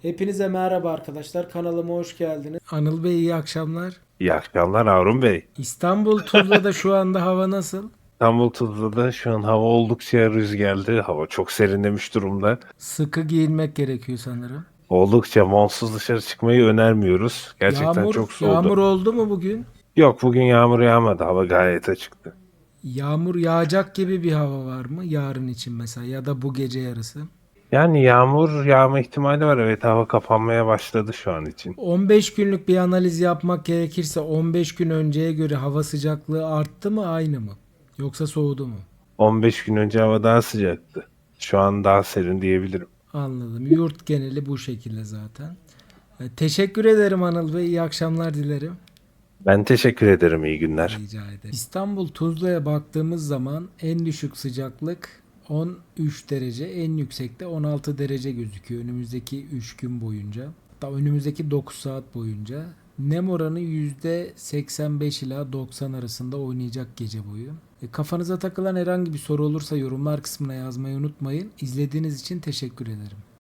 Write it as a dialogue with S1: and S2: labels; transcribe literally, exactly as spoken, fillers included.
S1: Hepinize merhaba arkadaşlar. Kanalıma hoş geldiniz. Anıl Bey iyi akşamlar.
S2: İyi akşamlar Harun Bey.
S1: İstanbul Tuzla'da şu anda hava nasıl?
S2: İstanbul Tuzla'da şu an hava oldukça rüzgarlı. Hava çok serinlemiş durumda.
S1: Sıkı giyinmek gerekiyor sanırım.
S2: Oldukça montsuz dışarı çıkmayı önermiyoruz. Gerçekten
S1: Yağmur,
S2: çok
S1: yağmur
S2: soğudu.
S1: oldu mu bugün?
S2: Yok, bugün yağmur yağmadı. Hava gayet açıktı.
S1: Yağmur yağacak gibi bir hava var mı yarın için mesela ya da bu gece yarısı?
S2: Yani yağmur yağma ihtimali var. Evet, hava kapanmaya başladı şu an için.
S1: on beş günlük bir analiz yapmak gerekirse on beş gün önceye göre hava sıcaklığı arttı mı aynı mı? Yoksa soğudu mu?
S2: on beş gün önce hava daha sıcaktı. Şu an daha serin diyebilirim.
S1: Anladım. Yurt geneli bu şekilde zaten. E, Teşekkür ederim Anıl Bey. İyi akşamlar dilerim.
S2: Ben teşekkür ederim. İyi günler.
S1: Rica ederim. İstanbul Tuzla'ya baktığımız zaman en düşük sıcaklık on üç derece, en yüksekte on altı derece gözüküyor önümüzdeki üç gün boyunca. Hatta önümüzdeki dokuz saat boyunca. Nem oranı yüzde seksen beş ila doksan arasında oynayacak gece boyu. E, kafanıza takılan herhangi bir soru olursa yorumlar kısmına yazmayı unutmayın. İzlediğiniz için teşekkür ederim.